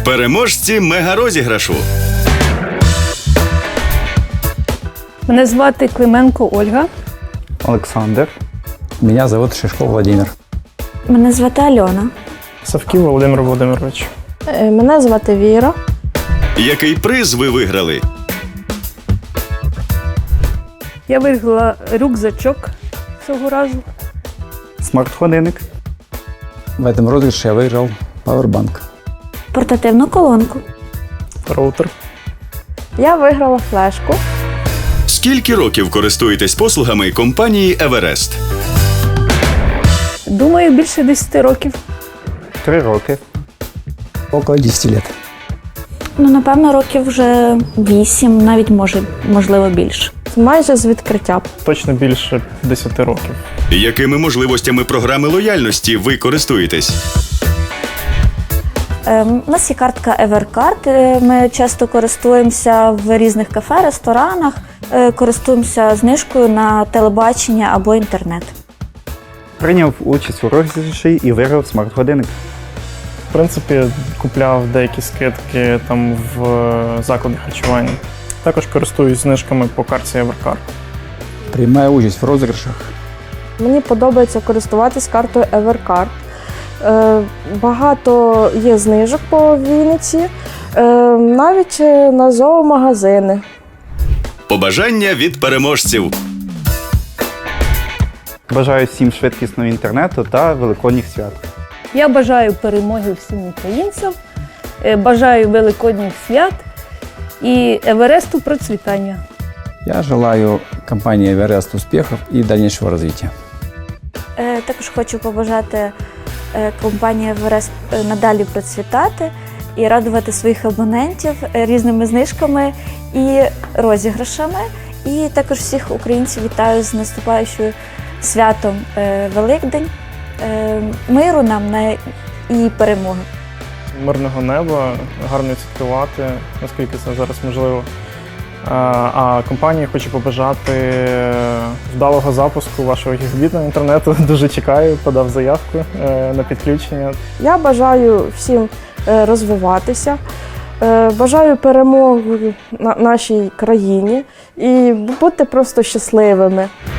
Переможці мегарозіграшу. Мене звати Клименко Ольга. Олександр. Меня зовут Шишков Владимир. Мене звати Альона. Савків Володимир Володимирович. Мене звати Віра. Який приз ви виграли? Я виграла рюкзачок цього разу. Смарт-годинник. В этом розыгрыше я выиграл пауэрбанк. Портативну колонку. Роутер. Я виграла флешку. Скільки років користуєтесь послугами компанії «Еверест»? Думаю, більше 10 років. 3 роки. Около 10 лет. Напевно, років вже 8, навіть можливо більше. Майже з відкриття. Точно більше 10 років. Якими можливостями програми лояльності ви користуєтесь? У нас є картка Evercard. Ми часто користуємося в різних кафе, ресторанах, користуємося знижкою на телебачення або інтернет. Прийняв участь у розіграші і виграв смарт-годинник. В принципі, купляв деякі скидки там в закладах харчування. Також користуюсь знижками по картці Evercard. Приймаю участь в розіграшах. Мені подобається користуватись картою Evercard. Багато є знижок по Вінниці, навіть на зоомагазини. Побажання від переможців. Бажаю всім швидкісного інтернету та великодніх свят. Я бажаю перемоги всім українцям, бажаю великодніх свят і Евересту процвітання. Я желаю компании «Эверест» успехов и дальнейшего развития. Також хочу побажати компанії Everest надалі процвітати і радувати своїх абонентів різними знижками і розіграшами. І також всіх українців вітаю з наступаючим святом Великдень, миру нам і перемоги. Мирного неба, гарно відсвяткувати, наскільки це зараз можливо. А компанії хочу побажати вдалого запуску вашого гігабітного інтернету. Дуже чекаю, подав заявку на підключення. Я бажаю всім розвиватися, бажаю перемоги нашій країні і бути просто щасливими.